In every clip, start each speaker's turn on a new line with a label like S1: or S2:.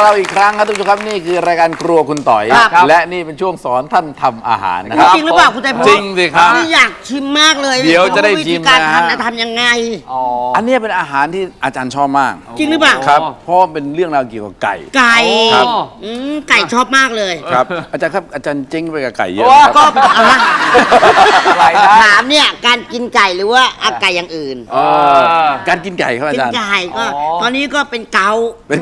S1: เราอีกครั้งครับทุกผู้ชมครับนี่คือรายการครัวคุณต่อยและนี่เป็นช่วงสอนท่านทำอาหารนะครับ
S2: จริงหรือเปล่าคุณใจพล
S1: จริงสิครับ
S2: อยากชิมมากเลย
S1: เดี๋ยวจะได้ชิมนะ
S2: การทำยังไง
S1: อันนี้เป็นอาหารที่อาจารย์ชอบมาก
S2: จริงหรือเปล่า
S1: ครับเพราะเป็นเรื่องราวเกี่ยวกับไก่
S2: ครับไก่ชอบมากเลย
S1: ครับอาจารย์ครับอาจารย์เจ๊งไปกับไก่เยอะ
S2: ก็ถามเนี่ยการกินไก่หรือว่าไก่อย่างอื่น
S1: การกินไก่ครับอาจารย์
S2: กินไก่ก็ตอนนี้ก็เป็นเกา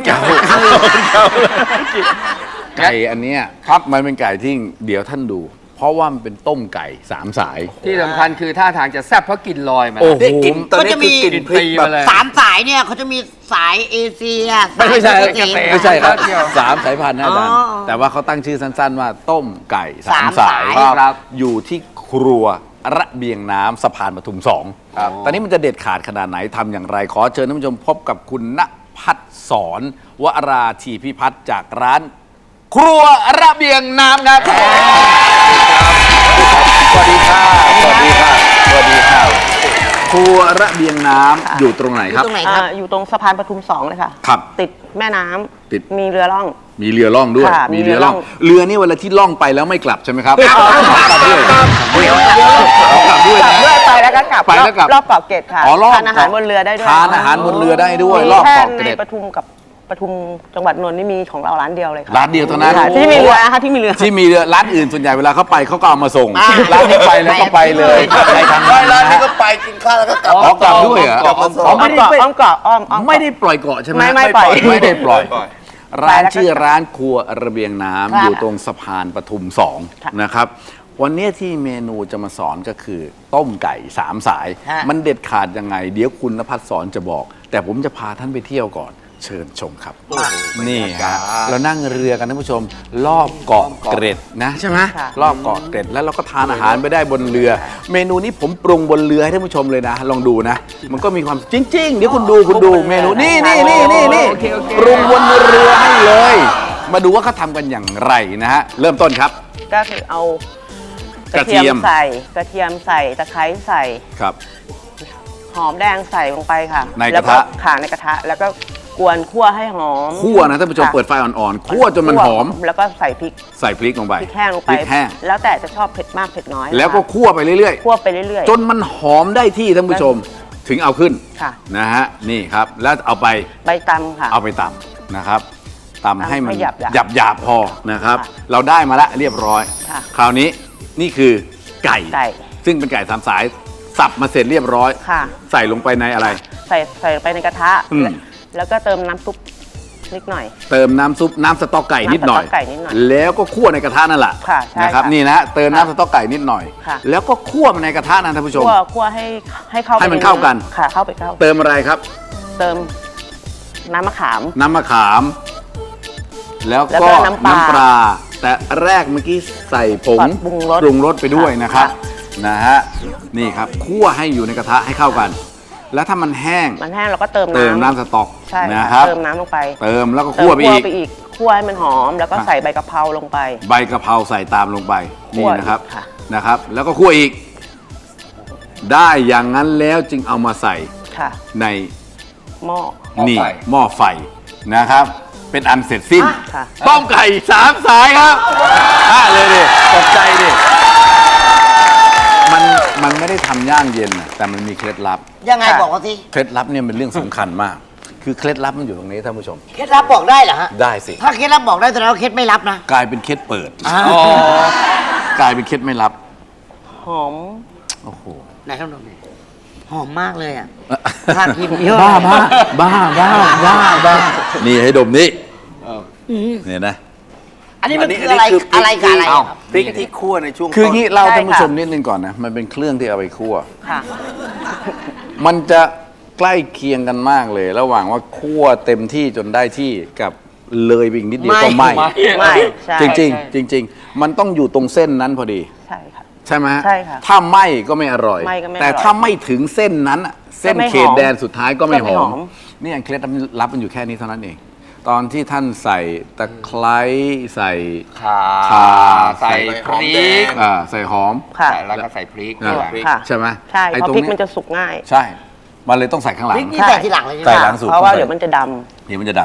S1: ไก่อันนี้ครับมันเป็นไก่ที่เดี๋ยวท่านดูเพราะว่ามันเป็นต้มไก่3 สาย
S3: ที่สำคัญคือท่าทางจะแซ่บเพราะกลิ่นลอยมา
S1: โอ้โห
S2: ก็จะมี
S3: กลิ่นพริกแบบ
S2: 3 สายเนี่ยเขาจะมีสายเอเชีย
S1: ไม่ใช่ครับ3 สายพันธุ์นะอาจารย์แต่ว่าเขาตั้งชื่อสั้นๆว่าต้มไก่3 สายครับอยู่ที่ครัวระเบียงน้ำสะพานปทุม2ตอนนี้มันจะเด็ดขาดขนาดไหนทำอย่างไรขอเชิญท่านผู้ชมพบกับคุณณภัทรสอนวราธีพิพัฒน์จากร้านครัวระเบียงน้ำครับสวัสดีค่ะสวัสดีค่ะสวัสดีค่ะครัวระเบียงน้ำอยู่ตรงไหนครับ
S4: อยู่ตรงสะพานปทุม2เลยค่ะ
S1: ครับ
S4: ติดแม่น้ำ
S1: ติด
S4: มีเรือล่อง
S1: มีเรือล่องด้วยมีเรือล่องเรือนี่เวลาที่ล่องไปแล้วไม่กลับใช่ไหมครับกลับด้วยกลับด้วย
S4: ไปแล้วก็กลับ
S1: ไปแล้วกลับ
S4: รอบเกาะเกร็ดค่ะทานอาหารบนเรือได้ด้วย
S1: ทานอาหารบนเรือได้ด้วยรอบเกาะเกร็ด
S4: ปทุมกับปทุมจังหวัดนนท์นี่มีของเราร้านเดียวเลยค่ะ
S1: ร้านเดียวเท่านั้น
S4: ที่มีเรือนะคะที่มีเรือ
S1: ร้านอื่นส่วนใหญ่เวลาเขาไปเขาก็เอามาส่งร้านนี้ไปแล้วก็ไปเลยไปทาง
S5: ร้านนี้ก็ไปกินข้าวแล้วก็กลับ
S1: กลับด้วยเหรอ
S4: ไม่ได้อ้อมเกาะ
S1: ไม่ได้ปล่อยเกาะใช่ไหม
S4: ไม่ปล่อย
S1: ไม่ได้ปล่อยร้านชื่อร้านครัวระเบียงน้ำอยู่ตรงสะพานปทุม2นะครับวันนี้ที่เมนูจะมาสอนก็คือต้มไก่3 สายมันเด็ดขาดยังไงเดี๋ยวคุณณภัทรสอนจะบอกแต่ผมจะพาท่านไปเที่ยวก่อนเชิญชมครับนี่ฮะเรานั่งเรือกันท่านผู้ชมรอบเกาะเกร็ดนะใช่ไหมรอบเกาะเกร็ดแล้วเราก็ทานอาหารไปได้บนเรือ เมนูนี้ผมปรุงบนเรือให้ท่านผู้ชมเลยนะลองดูนะมันก็มีความจริงๆเดี๋ยวคุณดูเมนูนี่ปรุงบนเรือให้เลยมาดูว่าเขาทำกันอย่างไรนะฮะเริ่มต้นครับ
S4: ก็คือเอากระเทียมใส่ตะไคร้ใส่
S1: ครับ
S4: หอมแดงใส่ลงไปค่ะ
S1: ในกระทะ
S4: ในกระทะแล้วก็กวนคั่วให้หอม
S1: คั่วนะท่านผู้ชมเปิดไฟอ่อนๆคั่วจนมันหอม
S4: แล้วก็ใส่พริก
S1: ลงไป
S4: พริกแห้งลงไปแล้วแต่จะชอบเผ็ดมากเผ็ดน้อย
S1: แล้วก็คั่วไปเรื่อยๆจนมันหอมได้ที่ท่านผู้ชมถึงเอาขึ้นนะฮะนี่ครับแล้วเอาไป
S4: ตำค่ะ
S1: เอาไปตำนะครับตำให้มันหยาบพอนะครับเราได้มาแล้วเรียบร้อยคราวนี้นี่คือไก่ซึ่งเป็นไก่3 สายสับมาเสร็จเรียบร้อยใส่ลงไปในอะไร
S4: ใส่ไปในกระทะแล้วก็เติมน้ำซุปนิดหน่อย
S1: เติมน้ำซุปน้ำสต๊อกไก่นิดหน่อยแล้วก็คั่วในกระทะนั่นแหละนะครับนี่นะเติมน้ำสต๊อกไก่นิดหน่อยแล้วก็คั่วในกระทะนะท่านผู้ชม
S4: คั่วให้เข้า
S1: ให้มันเข้ากัน
S4: ค่ะเข้า
S1: เติมอะไรครับ
S4: เติมน้ำมะขาม
S1: แล้วก็น้ำปลาแต่แรกเมื่อกี้ใส่ผงปรุงรสไปด้วยนะครับนะฮะนี่ครับคั่วให้อยู่ในกระทะให้เข้ากันแล้วถ้ามันแห้ง
S4: เราก็เติม
S1: น้ำสต๊อกนะครับ
S4: เติมน้ำลงไป
S1: เติมแล้วก็คั่วไปอีก
S4: คั่วให้มันหอมแล้วก็ใส่ใบกะเพราลงไป
S1: ใบกะเพราใส่ตามลงไปนี่นะครับแล้วก็คั่วอีกได้อย่างนั้นแล้วจึงเอามาใส่ใน
S4: หม้
S1: อไฟนะครับเป็นอันเสร็จสิ้นต้มไก่3 สายครับเลยดิตกใจดิมันไม่ได้ทำย่างเย็นนะแต่มันมีเคล็ดลับ
S2: ยังไงบอกว่าสิ
S1: เคล็ดลับเนี่ยเป็นเรื่องสำคัญมากคือเคล็ดลับมันอยู่ตรงนี้ท่านผู้ชม
S2: เคล็ดลับบอกได้เหรอฮะ
S1: ได้สิ
S2: ถ้าเคล็ดลับบอกได้แต่เราเคล็ดไม่ลับนะ
S1: กลายเป็นเคล็ดเปิดกลายเป็นเคล็ดไม่ลับ
S4: หอม
S1: โอ้โห
S2: ไหนครับน้องหอมมากเลยอ่ะทานกินเยอะ
S1: บ้านี่ให้ดมนี่เนี่ยนะ
S2: อันนี้มันคืออะไร
S5: พริกที่คั่วในช่วง
S1: คืองี้เราท่านผู้ชมนิดนึงก่อนนะมันเป็นเครื่องที่เอาไปคั่วมันจะใกล้เคียงกันมากเลยระหว่างว่าคั่วเต็มที่จนได้ที่กับเลยไปอีกนิดเดียวก็ไม่จริงมันต้องอยู่ตรงเส้นนั้นพอดีใช่ไหมถ้าไม่ก็ไม่อร่อยแต่ถ้าไม่ถึงเส้นนั้นเส้นเขตแดนสุดท้ายก็ไม่หอมนี่เคล็ดลับมันอยู่แค่นี้เท่านั้นเองตอนที่ท่านใส่ตะไคร้ใส่
S3: ข่าใส่พริก
S1: ใส่หอม
S3: แล้วก็ใส่พริก
S1: ใช่ไหม
S4: ใช่เพราะพริกมันจะสุกง่าย
S1: ใช่มันเลยต้องใส่ข้างหลัง
S2: พริกนี่ใส่ทีหลังเลย
S1: ใส่หลังสุด
S4: เพราะว่าเดี๋ยวมันจะด
S1: ำ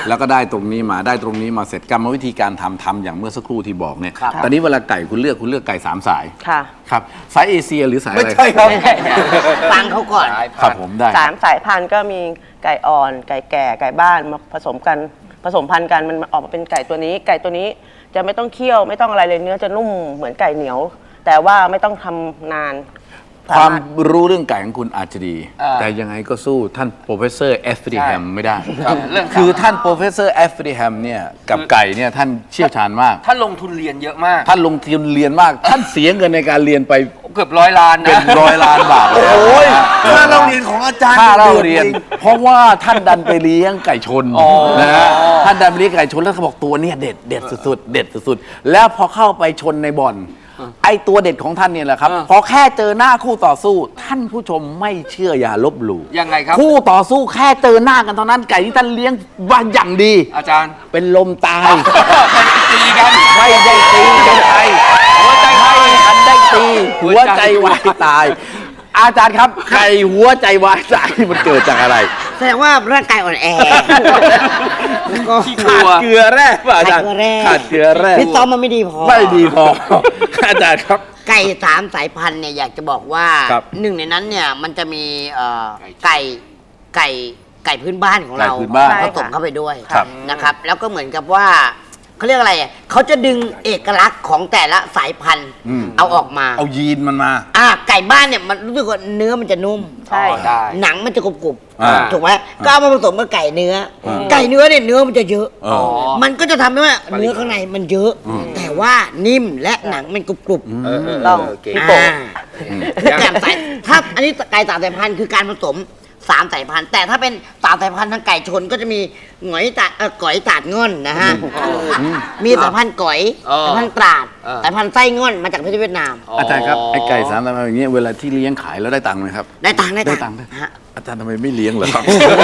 S1: แล้วก็ได้ตรงนี้มาได้ตรงนี้มาเสร็จกรรมวิธีการทำอย่างเมื่อสักครู่ที่บอกเนี่ยตอนนี้เวลาไก่คุณเลือกไก่3 สาย
S4: ค่ะ
S1: ครับสายเอเชียหรือสายอะ
S5: ไม่
S1: ไร
S5: ใช่ครับ
S2: ฟังเขาก่อน
S1: ครับผมได้
S4: 3 สายพันธุ์ก็มีไก่อ่อน ไก่แก่ ไก่บ้านมาผสมพันธุ์กันมันออกมาเป็นไก่ตัวนี้ ไก่ตัวนี้จะไม่ต้องเคี่ยวไม่ต้องอะไรเลยเนื้อจะนุ่มเหมือนไก่เหนียว แต่ว่าไม่ต้องทำนาน
S1: ความรู้เรื่องไก่ของคุณอาจจะดี
S3: อ่า
S1: แต่ยังไงก็สู้ท่านโปรเฟสเซอร์เอฟริแฮมไม่ได้
S3: ครับเรื่อง
S1: คือท่านโปรเฟสเซอร์เอฟริแฮมเนี่ยกับไก่เนี่ยท่านเชี่ยวชาญมาก
S3: ท่านลงทุนเรียนเยอะมาก
S1: ท่านลงทุนเรียนมาก ท่านเสียเงินในการเรียนไป
S3: เกือบ100 ล้านนะ
S1: เป็น100 ล้านบาทเลย
S5: โอ้ยค่าเราเรียนของอาจารย์
S1: ค่าเรา
S5: ดือด
S1: เรียน
S5: จง
S1: เพราะว่าท่านดันไปเลี้ยงไก่ชน
S3: อ๋อ
S1: นะฮะท่านดันไปเลี้ยงไก่ชนแล้วเขาบอกตัวเนี้เด็ดสุดๆเด็ดสุดๆแล้วพอเข้าไปชนในบ่อนไอตัวเด็ดของท่านเนี่ยแหละครับพอแค่เจอหน้าคู่ต่อสู้ ท่านผู้ชมไม่เชื่ออย่าลบหลู่
S3: ยังไงครับ
S1: คู่ต่อสู้แค่เจอหน้ากันเท่านั้นไก่ที่ท่านเลี้ยงว่าอย่างดี
S3: อาจารย์
S1: เป็นลมตาย
S3: ตีกัน
S1: ไม่ได้ตีกันไทย
S3: หัวใจไทย
S1: ทันได้ตีหัวใจวายตาย อาจารย์ครับไก่หัวใจวายตายมันเกิดจากอะไร
S2: แสดงว่าร่างกายอ่อนแอแล้วก็
S3: ขี้กลั
S1: ขาด
S3: ว
S1: เกลือแร่ป่ะอาจารย์
S2: ขาดเกลือแร่
S1: ขาดเกลือแร่
S2: พี่ต้อมมันไม่ดีพอ
S1: ไม่ดีพอ อาจารย์ครับ
S2: ไก่3 สายพันธุ์เนี่ยอยากจะบอกว่า
S1: ครับ
S2: หนึ่งในนั้นเนี่ยมันจะมีไก่พื้นบ้านของเรา
S1: ไก่พื้นบ้าน
S2: ผสมเข้าไปด้วย
S1: ครับ
S2: นะครับ แล้วก็เหมือนกับว่าเขาเรียกอะไรอ่ะเขาจะดึงเอกลักษณ์ของแต่ละสายพันธุ์เอาออกมา
S1: เอายีนมันมา
S2: ไก่บ้านเนี่ยมันรู้สึกว่าเนื้อมันจะนุ่ม
S4: ใช่
S3: ได้
S2: หนังมันจะกรุบ
S1: อ่า
S2: ๆถูกไหมก็เอามาผสมกับไก่เนื้ออไก่เนื้อเนี่ยเนื้อมันจะเยอะ
S1: อ๋อ
S2: มันก็จะทำให้ว่าเนื้อข้างในมันเยอะ แต่ว่านิ่มและหนังมันกรุบๆ
S4: ต้อง
S3: เก่ง
S4: พี่โป่ง
S2: คือแต่สายถ้าอันนี้ไก่3 สายพันธุ์คือการผสม3 สายพันธุ์แต่ถ้าเป็น3 สายพันธุ์ทางไก่ชนก็จะมีหงอยตาดก๋อยตาดง่อนนะฮะมีสายพันธุ์ก๋อย
S3: อ๋อ
S2: สายพันธุ์ตราด
S3: อ่า
S2: สายพันธุ์ไส้ง่อนมาจากประเทศเวียดนาม
S1: อาจารย์ครับไอ้ไก่3 ตัวอย่างเงี้ยเวลาที่เลี้ยงขายแล้วได้ตังค์ไหมครับ
S2: ได้ตังค์
S1: ได้ตังค์
S2: ฮะ
S1: อาจารย์ทำไมไม่เลี้ยงเหรอครับ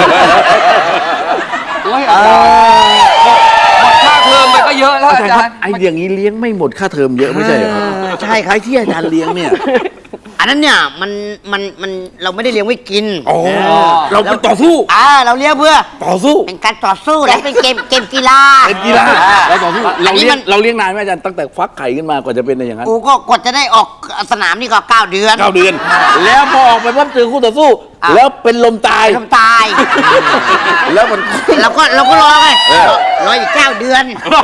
S3: โอ้ยอาจารย์หมดค่าเทอมไปก็เยอะแล้ว
S1: อา
S3: อา
S1: จารย์ค
S3: จา
S1: รั
S3: ร
S1: บ
S3: ย์
S1: ไอ้อย่างนี้เลี้ยงไม่หมดค่าเทอมเยอะไม่ใช่เหรอครับ
S2: ใช่ครับ
S1: ไอ้ที่อาจารย์เลี้ยงเนี่ย
S2: อันนั้นเนี่ยมันเราไม่ได้เลี้ยงไว้กิน
S1: เราไปต่อสู้
S2: เราเลี้ยงเพื่อ
S1: ต่อสู้
S2: เป็นการต่อสู้และเป็นเกมกีฬา
S1: เป็นกีฬาเราต่อสู้
S2: อันนี้มัน
S1: เราเลี้ยงนานไหมอาจารย์ตั้งแต่ฟักไข่ขึ้นมากว่าจะเป็นอย่างนั้น
S2: กูก็กดจะได้ออกสนามนี่ก็9 เดือน
S1: 9 เดือน แล้วพอออกไปปั๊บเจอคู่ต่อสู้ แล้วเป็นลมตาย
S2: ทำตาย
S1: แล้วมัน
S2: เราก็รอไงรออีก9 เดือน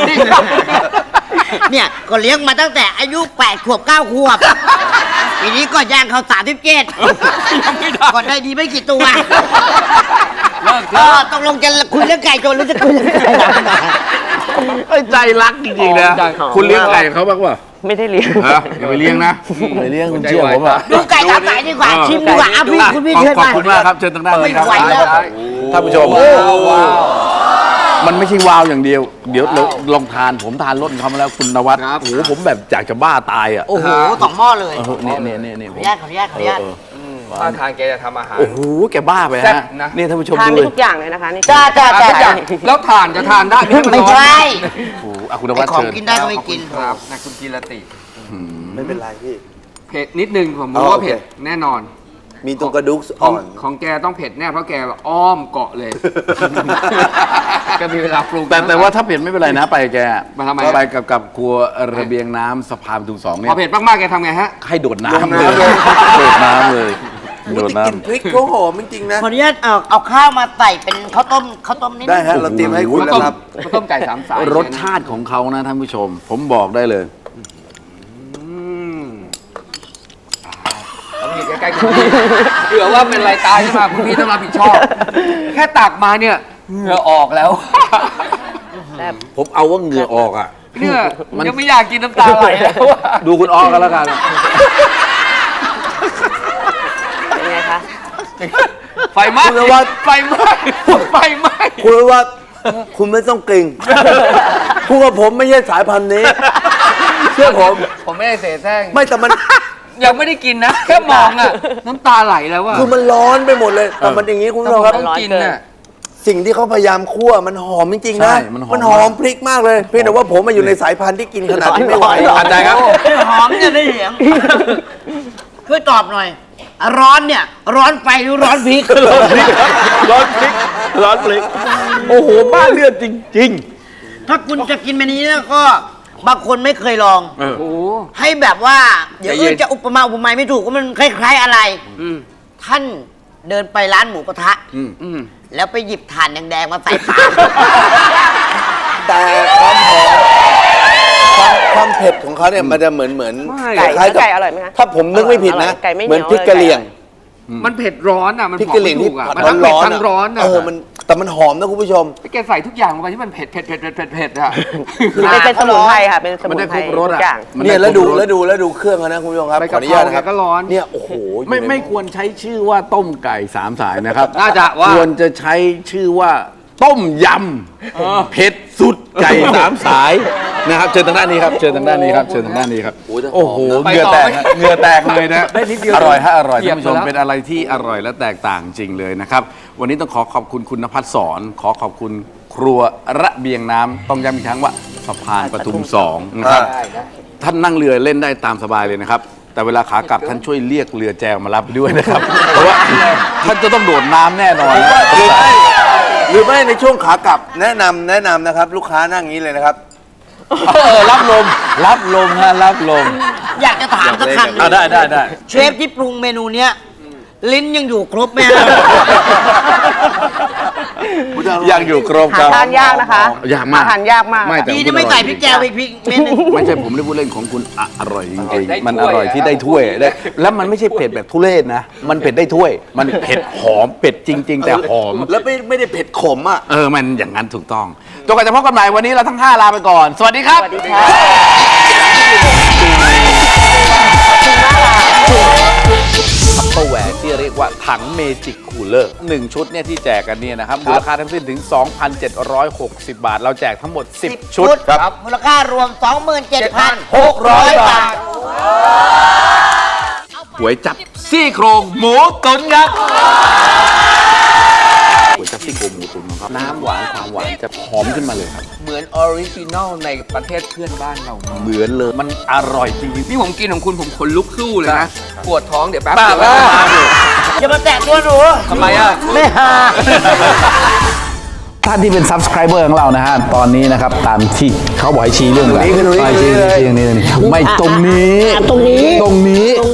S2: เนี่ยก็เลี้ยงมาตั้งแต่อายุ8 ขวบ 9 ขวบปีนี้ก็ย่างเขา37ก็ได้ดีไม่กี่ตัว
S3: เลิกเถอะ
S2: ต้องลงจะคุยเรื่องไก่ก่อนหรือจะคุยเรื่องไก่หลัง
S1: ไอ้ใจรักจริงๆนะ คุณเลี้ยงไก่เขาบ้างวะ
S4: ไม่ได้เลี้ยง
S1: อย่าไปเลี้ยงนะไปเลี้ยงคุณเชื่อผมอ่ะ
S2: ดูไก่3 สายดีกว่าชิมดีกว่าคุณพี่เชิญ
S1: ขอบ
S2: มา
S1: คุณมากครับเชิญทางด้านนี้ครับ
S2: ไม่ไหวแล้ว
S1: ท่านผู้ชมมันไม่ใช่วาวอย่างเดียว เดี๋ยวเราลองทานผมทานรสของเขามาแล้วคุณนวัด
S3: ครับ
S1: โอ้โหผมแบบอยากจะบ้าตายอ่ะ
S2: โอ้โห2 หม้อเลย
S1: เนี่ย
S2: ขออนุญาตขออนุญาต
S3: ท่าทางแกจะทำอาหาร
S1: โอ้โหแกบ้าไป
S3: แซ่
S1: ฮะ
S3: บนะ
S1: นี่ท่านผู้ชม
S4: ทาน
S1: ดู
S4: ได้
S1: เลย
S4: ทุกอย่างเลยนะคะนี่
S2: จ้า
S3: ทุกอย่างแล้วทานจะทานได้ไม่ให้มัน
S2: ไม่
S3: ร้อน
S2: ใช่
S1: โอ้โหคุณน
S2: ไอ
S1: วัด
S2: ของ
S1: เชิญ
S2: กินได้ก็ไม่กิน
S3: ครับนะคุณกีรติ
S5: ไม่เป็นไรพี่
S3: เผ็ดนิดนึงผม
S5: อ๋อ
S3: รู้ว่า
S5: โอเค
S3: เผ็ดแน่นอน
S5: มีตรงกระดูก
S3: ขอ
S5: อ่
S3: ง
S5: อน
S3: ของแกต้องเผ็ดแน่เพราะแกอ้อมเกาะเลย ก็มีเวลาปรุง
S1: แต่ว่าถ้าเผ็ดไม่เป็นไรนะไปแก
S3: มาทำไม
S1: ไปกับครัวระเบียงน้ำสะพานประตู2เนี่
S3: พอย เผ็ดมากๆแกทำไงฮะ
S1: ให้โดดน้ำเลยโดดน้ำเลยโดด
S5: แต่กลิน
S1: น้ำ
S5: พริกเขาหอมจริงๆนะ
S2: ขออนุญาตเอาข้าวมาใส่เป็นข้าวต้มนิด
S5: ได้
S2: นึง
S5: ฮะ เราเตรียมให้คุณแล้วครับ
S3: ข้าวต้มไก่3 สาย
S1: รสชาติของเขานะท่านผู้ชม ผมบอกได้เลย
S3: ต้องอยู่ใกล้ๆคุณพี่เผื่อว่าเป็นไรตายขึ้นมาคุณพี่ต้องรับผิดชอบ แค่ตักมาเนี่ยเหงื่อออกแล้ว
S1: ผมเอาว่าเหงื่อออกอ่ะ
S3: เนี่ยยังไม่อยากกินน้ำตาไหลแล้วอะ
S1: ดูคุณออกกันแล้วกัน
S4: เป็นไงคะ
S3: ไฟไหม้
S5: คุณนวัด
S3: ไฟไหม้ไฟไหม้
S5: คุณว่าคุณไม่ต้องเกรงพูดกับผมไม่ใช่สายพันธุ์นี้ เชื่อผม
S3: ผมไม่ได้เสแสร้ง
S5: ไม่แต่มัน
S3: ยังไม่ได้กินนะ แค่มองอะน้ำตาไหลแล้วอะ
S5: คือมันร้อนไปหมดเลย แต่มันอย่างนี้คุณผู้ชมครับ
S3: ต้องกินน่ะ
S5: สิ่งที่เขาพยายามคั่วมันหอมจริงๆนะ
S1: ใช่มันหอม
S5: มันหอมพริกมากเลยเพียงแต่ว่าผมมาอยู่ในสายพันธุ์ที่กินขนาดที่ไม่ไหว
S1: อาจารย์ครับ
S2: หอมจะได้เสียงช่วยตอบหน่อย ร้อนเนี่ย ร้อนไฟหรือร้อนพริก
S1: ร้อนพริกร้อนพลิกโอ้โหบ้าเลือดจริง
S2: ถ้าคุณจะกินเมนูนี้แล้วก็บางคนไม่เคยลอง
S1: ๆ
S3: โอ้โห
S2: ให้แบบว่า เดี๋ยว
S3: ใจเย็
S2: อื่
S3: น
S2: นจะอุปมาอุปไมยไม่ถูกว่ามันคล้ายๆอะไร ท่านเดินไปร้านหมูกระทะ แล้วไปหยิบถ่านแดงๆมาใส่ปาก
S5: แต่ความเผ็ดของเขาเนี่ยมันจะเหมือน
S3: ไม่
S5: คล้ายๆกับ
S4: ไก่อร่อยไหมคะ
S5: ถ้าผมนึกไม่ผิดนะ
S4: ไก่ไม่เหนียว
S5: เหมือนพริกกะเหรี่ยง
S3: มันเผ็ดร้อนอ่ะ มัน
S5: พริก
S3: บอก
S5: กะเหรี่ยง
S3: ไม่
S5: ที่
S3: ถูกอ่ะ
S5: ผัด
S3: มันทั้งเผ็ด
S5: ร้อน
S3: ทั้งร้อนอ่ะ
S5: แต่มันหอมนะคุณผู้ชม
S3: แกใส่ทุกอย่างลงไปที่มันเผ็ดอ่ะ
S4: เป็นสมุนไพรค่ะ เป็นสมุนไพร
S1: มันได้ครบรส
S4: ทุ
S1: อะ
S4: กอย่าง
S1: มัน
S5: เนี่ย
S1: ได้
S5: แล้วดู
S1: ครบรส
S5: แล้วดูเครื่องเขานะคุณผู้ชมครับ
S3: ใบ
S5: ขอก
S3: ะ
S5: อ
S3: เพ
S5: นุ
S3: รา
S5: ญาตนะครับ
S3: ก็ร้อน
S5: เนี่ยโอ้โห
S1: ไม่ควรใช้ชื่อว่าต้มไก่สามสายนะครับ
S3: น่าจะว่า
S1: ควรจะใช้ชื่อว่าต้มยำเผ็ดสุดไก่สามสายนะครับเชิญทางด้านนี้ครับเชิญทางด้านนี้ครับเชิญทางด้านนี้ครับโอ้โหเหงื่อแตกฮะเหงื่อแตกเลยนะ
S3: ได้นิดเดียว
S1: อร่อยฮะอร่อย
S3: เหยีย
S1: ท่า
S3: บ
S1: นผู้ชม
S3: ไปแล้ว
S1: เป็นอะไรที่อร่อยและแตกต่างจริงเลยนะครับวันนี้ต้องขอบคุณคุณนภัสสรขอบคุณครัวระเบียงน้ำต้องย้ำอีกครั้งว่าสะพานปทุม2นะครับท่านนั่งเรือเล่นได้ตามสบายเลยนะครับแต่เวลาขากลับท่านช่วยเรียกเรือแจวมารับด้วยนะครับเพราะว่าท่านจะต้องโดดน้ำแน่นอนนะ
S5: หรือไม่ในช่วงขากลับแนะนำนะครับ ลูกค้านั่งอย่างนี้เลยนะครับ
S1: รับลมรับลมฮะรับลม
S2: อยากจะถามสักคำหนึ่ง
S1: ได้
S2: เชฟที่ปรุงเมนูเนี้ยลิ้นยังอยู่ครบไหมฮะ
S1: ยังอยู่ครบ
S4: หา
S1: ครับ
S4: ทานยากนะคะ
S1: ยากมาก
S4: หทานยากมาก
S1: ไม่แต่
S2: ดีที่ไม่ใส่พริกแกงอีกพริกเม็ดหนึง
S1: ไม่ใช่ผมได้พูดเล่นของคุณอร่อยจริง
S3: ได้
S1: ๆมัน
S3: ถ้
S1: อ
S3: วย
S1: ร่อยที่ได้ถ้วยได้แล้วมันไม่ใช่เผ็ดแบบทุเรศนะ มันเผ็ดได้ถ้วย มันเผ็ดหอมเผ็ดจริง ๆ แต่หอม
S5: แล้วไม่ได้เผ็ดขมอ่ะ
S1: มันอย่างนั้นถูกต้องจนกว่าจะพบกันใหม่วันนี้เราทั้ง 5 ลาไปก่อน สวัสดีครับ
S4: สวัสดีค่ะ
S1: ทัพเปอร์แวร์ที่เรียกว่าถังเมจิกคูลเลอร์1ชุดเนี่ยที่แจกกันเนี่ยนะครับมูลค่าทั้งสิ้นถึง 2,760 บาท เราแจกทั้งหมด 10 ชุด
S2: ครับมูลค่ารวม 27,600 บาท
S1: หวยจับซี่โครงหมูตุ๋นครับหวยจับซี่โครงหมูตุ๋นครับน้ำหวานความหวานจะหอมขึ้นมาเลยครับ
S3: เหมือนออริจินอลในประเทศเพื่อนบ้านเรา
S1: เหมือนเลยมันอร่อยจริง
S3: นี่ผมกินของคุณผมขนลุกสู้เลยนะ ปวดท้องเดี๋ยวแป๊บ
S1: บ้า
S3: เดียว
S1: บ้า
S2: อย่ามาแตะตัวหนู
S3: ทำไมอ่ะ
S2: ไม่หา
S1: ท่านที่เป็น subscriber ของเรานะฮะ ตอนนี้นะครับ ตามที่เขาบอกให้ชี้เรื่องอะไร
S5: ตรงนี้
S1: ชี้
S5: เลย
S1: ชี้นี่ไม่ตรงนี้
S2: ตรงนี้
S1: ตรงนี้